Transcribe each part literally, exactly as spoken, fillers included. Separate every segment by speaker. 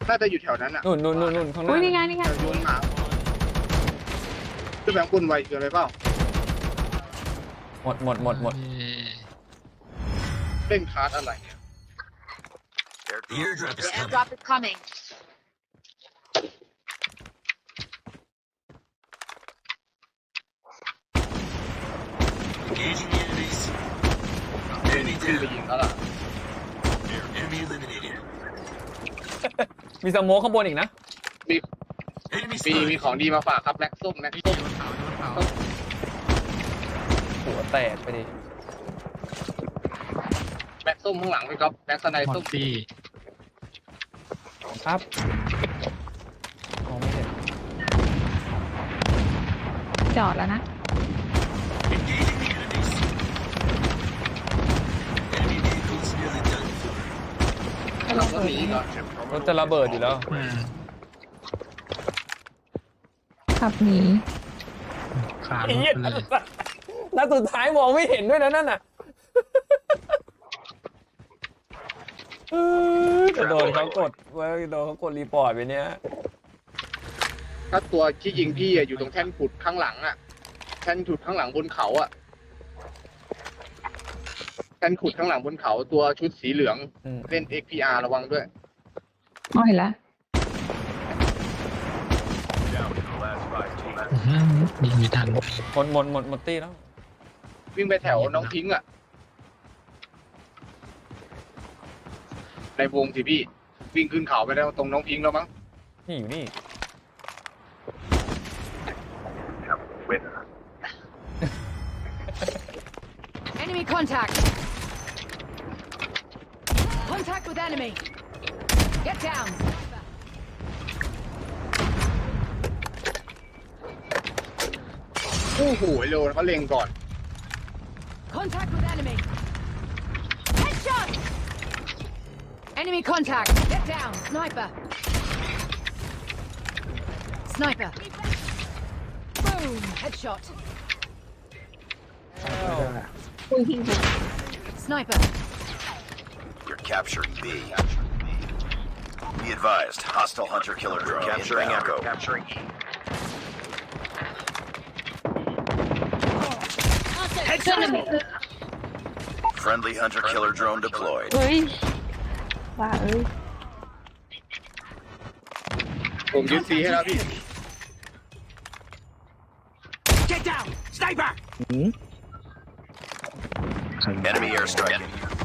Speaker 1: น่าจะอยู่แถวนั้นอ่ะ
Speaker 2: นู่นนู่นนู่นนู่นข้างห
Speaker 3: อุ้ย
Speaker 2: น้า
Speaker 3: นี่ไงนี่ไง
Speaker 1: โยนหมาคือแบงค์คุณไวเกินไปเปล่า
Speaker 2: หมดหมดหมดหมด
Speaker 1: เล่นคาร์ดอะไรเนี่ย
Speaker 4: The airdrop is
Speaker 5: The
Speaker 4: coming.
Speaker 5: airdrop is coming.
Speaker 4: Engaging the enemies.
Speaker 1: เล่น
Speaker 4: Enemy
Speaker 1: ขึ้นไป
Speaker 4: down.
Speaker 1: ยิงแล้วล่ะ
Speaker 4: Enemy eliminated.
Speaker 2: มีสโมกข้างบนอีกนะ
Speaker 1: มี
Speaker 4: Enemy
Speaker 1: มีมี
Speaker 4: spotted.
Speaker 1: ของดีมาฝากครับแม็กส้มแม็กส้ม
Speaker 2: หัวแตกไปดิ
Speaker 1: แม็กส้มข้างหลังพี่ก๊อฟแม็กสไนส้ม
Speaker 2: ครับมองไม่เห็น
Speaker 3: จอดแล้วนะ
Speaker 4: Engaging the enemies. Enemy vehicles nearly done for.
Speaker 1: เราก็หนีก่อน
Speaker 2: รถจะระเบิดอยู่แล้ว
Speaker 3: ขับหนี
Speaker 2: ไอ้เหี้ยนัดสุดท้ายมองไม่เห็นด้วยนะนั่นน่ะจะโดนเขากดว่าโดนเขากดรีพอร์ตไปเนี้ย
Speaker 1: ถ้าตัวที่ยิงพี่อะอยู่ตรงแท่นขุดข้างหลังอ่ะแท่นขุดข้างหลังบนเขาอ่ะแท่นขุดข้างหลังบนเขาตัวชุดสีเหลือง
Speaker 2: อืม
Speaker 1: เล่น เอ็กซ์ พี อาร์ ระวังด้วย
Speaker 3: อ๋อเห็นแล้ว
Speaker 6: ยิงไม่ทัน
Speaker 2: หมดหมดหมดหมดตี้แล้ว
Speaker 1: วิ่งไปแถวน้องพิงค์อ่ะในวงสิพี่ วิ่งขึ้นเขาไปแล้วตรงน้องพิงค์แล้วมั้ง
Speaker 2: นี่อยู่นี่
Speaker 5: Enemy contact. Contact with enemy. Get down.
Speaker 1: โอ้โหโลเขาเล็งก่อน
Speaker 5: Contact with enemy. Headshot. Enemy contact. Get down. Sniper. Sniper. Boom. Headshot.
Speaker 3: คุยทิ้งไป
Speaker 5: Sniper.
Speaker 4: You're capturing B. Be advised, hostile hunter killer drone capturing Echo. Capturing E. Friendly hunter killer drone deployed.
Speaker 3: เฮ้ยว่าเอ้ย
Speaker 1: ผมยึดซีให้แล้วพี่
Speaker 4: Get down! Sniper! Enemy airstrike.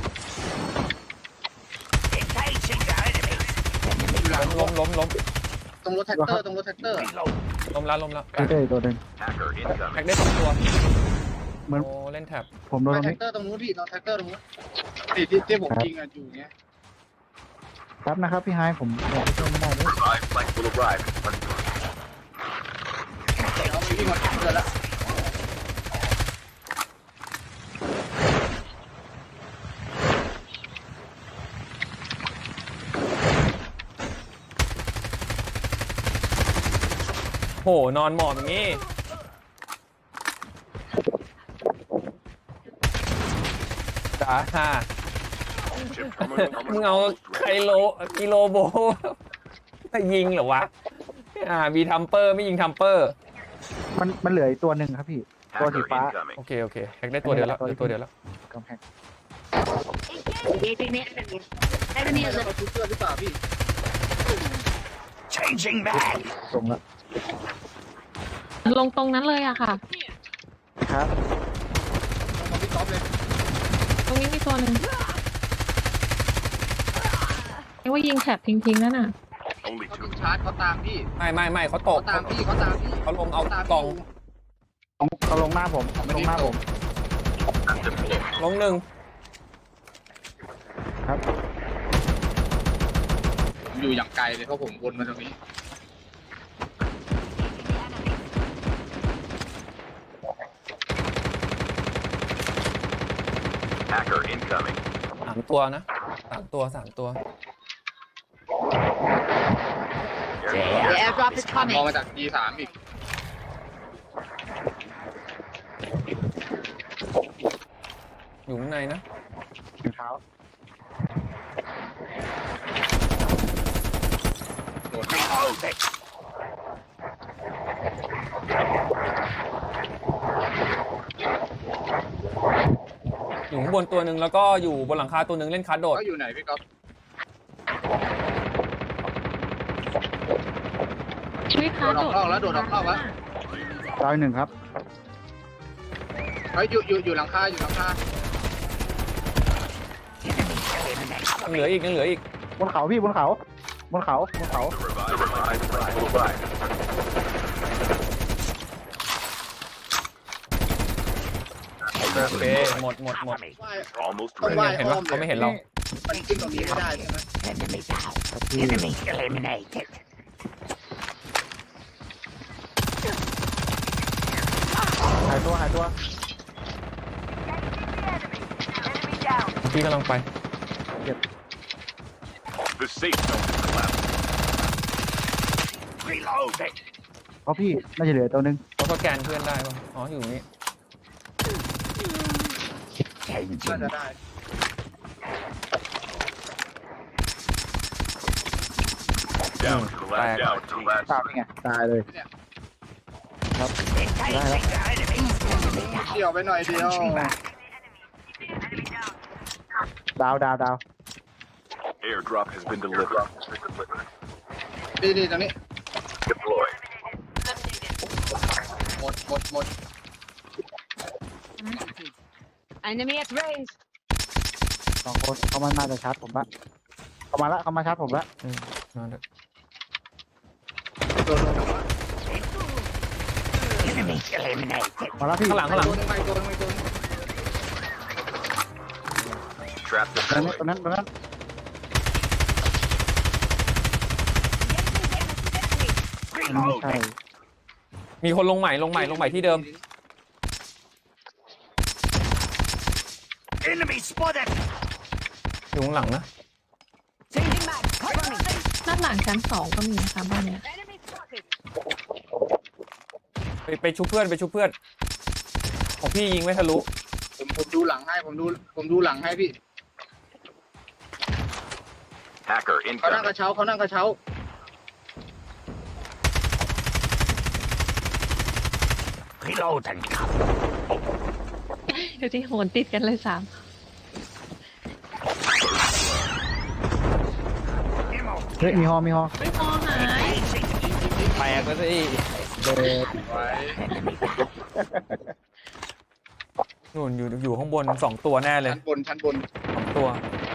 Speaker 4: Engaging the enemy.
Speaker 2: ล้มล้มล้ม
Speaker 1: ตรงรถแท็กเตอร์ตรงรถแท็กเตอร์
Speaker 2: ล้มแล้วล้มแล้ว
Speaker 7: เอ้ยตัวหนึ่ง
Speaker 4: Hacker
Speaker 2: แท็ก
Speaker 4: incoming.
Speaker 2: ได้สองตัว
Speaker 7: เหมือน
Speaker 2: โอ้เล่นแท็บ
Speaker 7: ผมโดนตรง
Speaker 1: แท็
Speaker 7: นี้
Speaker 1: กเตอร์ตรงนู้นพี่ตรงแท็กเตอร์ตรงนู้นที่ที่ที่ผมยิงอะอยู่เนี้ย
Speaker 7: ครับนะครับพี่ไฮายผมบอกไปช่วยไม่ได้เลย
Speaker 4: Revive flight will arrive.
Speaker 1: เอาไปวิ่งมาแท็กเตอร์แล้ว
Speaker 2: โหนอนหมอบอย่างงี้จ้าฮ่ามึงเอาไคโลกิโลโบจะยิงเหรอวะอ่ามีทัมเปอร์ไม่ยิงทัมเปอร์
Speaker 7: มันมันเหลืออีกตัวหนึ่งครับพี่ ตัวสี
Speaker 4: Hacker
Speaker 7: ฟ้า
Speaker 4: incoming.
Speaker 2: โอเคโอเคแท็กได้ตัวเดียวแล้วเหลือตัวเดียวแล้ว
Speaker 7: กำแพง
Speaker 5: Engaging the enemy. Enemy
Speaker 1: เอาชุดเสื้อหรือเปล่าพี่
Speaker 4: Changing mag.
Speaker 7: ตรงละ
Speaker 3: ลงตรงนั้นเลยอะค่ะ
Speaker 7: ครับ
Speaker 1: เอาพี่ก๊อฟเลย
Speaker 3: ตรงนี้มีตัวหนึ่งไอ้ว่ายิงแถบทิ้งๆนั่นน่ะ
Speaker 4: Only
Speaker 1: เขา
Speaker 4: two.
Speaker 1: ถูกชาร์จเขาตามพี่
Speaker 2: ไม่ไม่ไม่เขาต
Speaker 1: เขา
Speaker 2: ก
Speaker 1: ตามพี่เขาตามพี่
Speaker 2: เขาลงเอา
Speaker 1: ตาม
Speaker 2: กล่อง
Speaker 7: เขาลงหน้าผมลงหน้าผม
Speaker 2: ลงหนึ่ง
Speaker 7: ครับ
Speaker 1: ผมอยู่อย่างไกลเลยเพราะผมวนมาตรงนี้
Speaker 4: Hacker incoming.
Speaker 2: สามตัวนะสามตัวสามตัว
Speaker 5: The airdrop is
Speaker 1: ม
Speaker 5: coming.
Speaker 1: องมาจาก ดี สาม อีก
Speaker 2: อยู่ข้างในนะ
Speaker 7: ถุงเท้า
Speaker 2: อยู่ข้างบนตัวหนึ่งแล้วก็อยู่บนหลังคาตัวหนึ่งเล่นคาร์ดโดด
Speaker 1: เขาอยู่ไหนพี่ก๊อฟ
Speaker 3: ช่วยค้าโดด
Speaker 1: โดดออกแล้วโดดออกนอกแล้ว
Speaker 7: ดาวอีกหนึ่งครับ
Speaker 1: เฮ้ยอยู่อยู่อยู่หลังคาอยู่หลังคา
Speaker 2: ยังเหลืออีกยังเหลืออีก
Speaker 7: บนเขาพี่บนเขาบนเขาบนเขา
Speaker 4: The revived flight will arrive.
Speaker 2: โอเคหมดหมดหมด
Speaker 1: ว่าย
Speaker 4: Almost
Speaker 1: ต้อง
Speaker 4: ready.
Speaker 1: ว่าย
Speaker 2: เห็น
Speaker 1: อ้
Speaker 2: ปะ
Speaker 1: อม
Speaker 2: เขาไม่
Speaker 1: เลย
Speaker 2: เห็นเรา
Speaker 1: มันขึ้นตรงนี้ไม่ได้ใช่ไหม
Speaker 7: ครับพี่
Speaker 6: Enemy eliminated.
Speaker 7: หายตัวหายตัว
Speaker 2: พี่กำลังไป
Speaker 4: The safe zone is collapsing.
Speaker 6: Reloading.
Speaker 7: เพราะพี่น่าจะเหลือตัวหนึ่ง
Speaker 2: เขาสแกนเพื่อนได้ปะอ๋ออยู่นี่
Speaker 1: น่า
Speaker 6: Changing.
Speaker 1: จะได้
Speaker 4: Down to the last
Speaker 2: Back.
Speaker 4: down to the last
Speaker 7: ตามนี่ไงตายเลยครับ
Speaker 6: Engaging the enemy. Enemy
Speaker 1: เกี่ยวไปหน่อยเดียว
Speaker 6: Changing back.
Speaker 7: ดาวดาวดาว
Speaker 4: airdrop has been delivered.
Speaker 1: ดีดีตรงนี้
Speaker 4: Deploy.
Speaker 1: หมดหมดหมด
Speaker 5: Enemy at range.
Speaker 7: สองคนเขามาน่าจะชาร์จผมละเขามาละเขามาชาร์จผมละ
Speaker 2: อืมมาเถอะ
Speaker 1: โดนโดนโดน
Speaker 6: Enemy eliminated.
Speaker 7: มาละพี่
Speaker 2: ข้างหลังข้างหลัง
Speaker 1: ตัวนึงไม่ตัวนึงไม่ตัวนึง
Speaker 4: Trap
Speaker 7: ตรงนั้น
Speaker 4: deployed.
Speaker 7: ตรงนั้นตรงนั้น ไม่ใช่
Speaker 2: มีคนลงใหม่ลงใหม่ลงใหม่ที่เดิม
Speaker 6: Enemy spotted.
Speaker 2: อยู่ข้างหลังนะ
Speaker 5: Changing mag. Cover me.
Speaker 3: ด้านหลังชั้นสองก็มีนะคะบ้านเนี้ย
Speaker 5: Enemy spotted.
Speaker 2: ไปไปชุบเพื่อนไปชุบเพื่อนของพี่ยิงไม่ทะลุ
Speaker 1: ผมผมดูหลังให้ผมดูผมดูหลังให้พี่
Speaker 4: Hacker
Speaker 1: เขานั่งก
Speaker 4: incoming.
Speaker 1: ระเช้าเขานั่งกระเช้า
Speaker 6: Reload and cover.
Speaker 3: เดี๋ยวที่โหนติดกันเลยสาม
Speaker 6: Ammo.
Speaker 7: เฮ้ยมีฮอมีฮอ
Speaker 3: ไม่พอหาย
Speaker 2: แตกแล้วสิ
Speaker 7: เด็ด
Speaker 1: ไว้
Speaker 2: นู่นอยู่อยู่ข้างบนสองตัวแน่เลย
Speaker 1: ชั้นบนชั้นบน
Speaker 2: สองตัว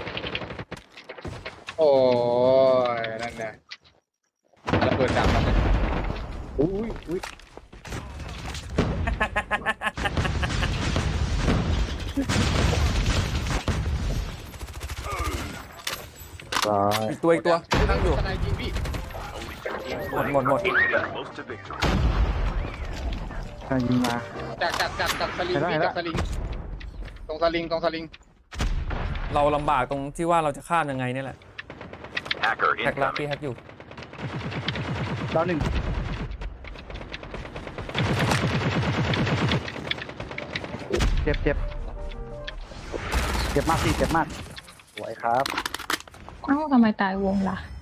Speaker 1: โอ้ยนั่นไงระเบิดดังแล้วเนี่ย
Speaker 7: อุ้ยอุ้ยร้อย
Speaker 2: อีกตัวอีกตัว
Speaker 1: นั่งอยู่ข้างในยิงพี่
Speaker 2: หมดหมดหมด
Speaker 4: Get close to victory.
Speaker 7: กำลังยิงมา
Speaker 1: จากจากจากจากสลิง
Speaker 7: ได้
Speaker 1: พี่
Speaker 7: ได้
Speaker 1: จากสลิง ตรงสลิงตรงสลิง
Speaker 2: เราลำบากตรงที่ว่าเราจะข้ามยังไงนี่แหละ
Speaker 4: Hacker
Speaker 2: แฮกลัก
Speaker 4: incoming.
Speaker 2: พี่แฮกอยู่
Speaker 7: ดาวหนึ่งเจ็บเจ็บเจ็บมากพี่เจ็บมากสวยครับ
Speaker 3: เอ้าทำไมตายวงล่ะ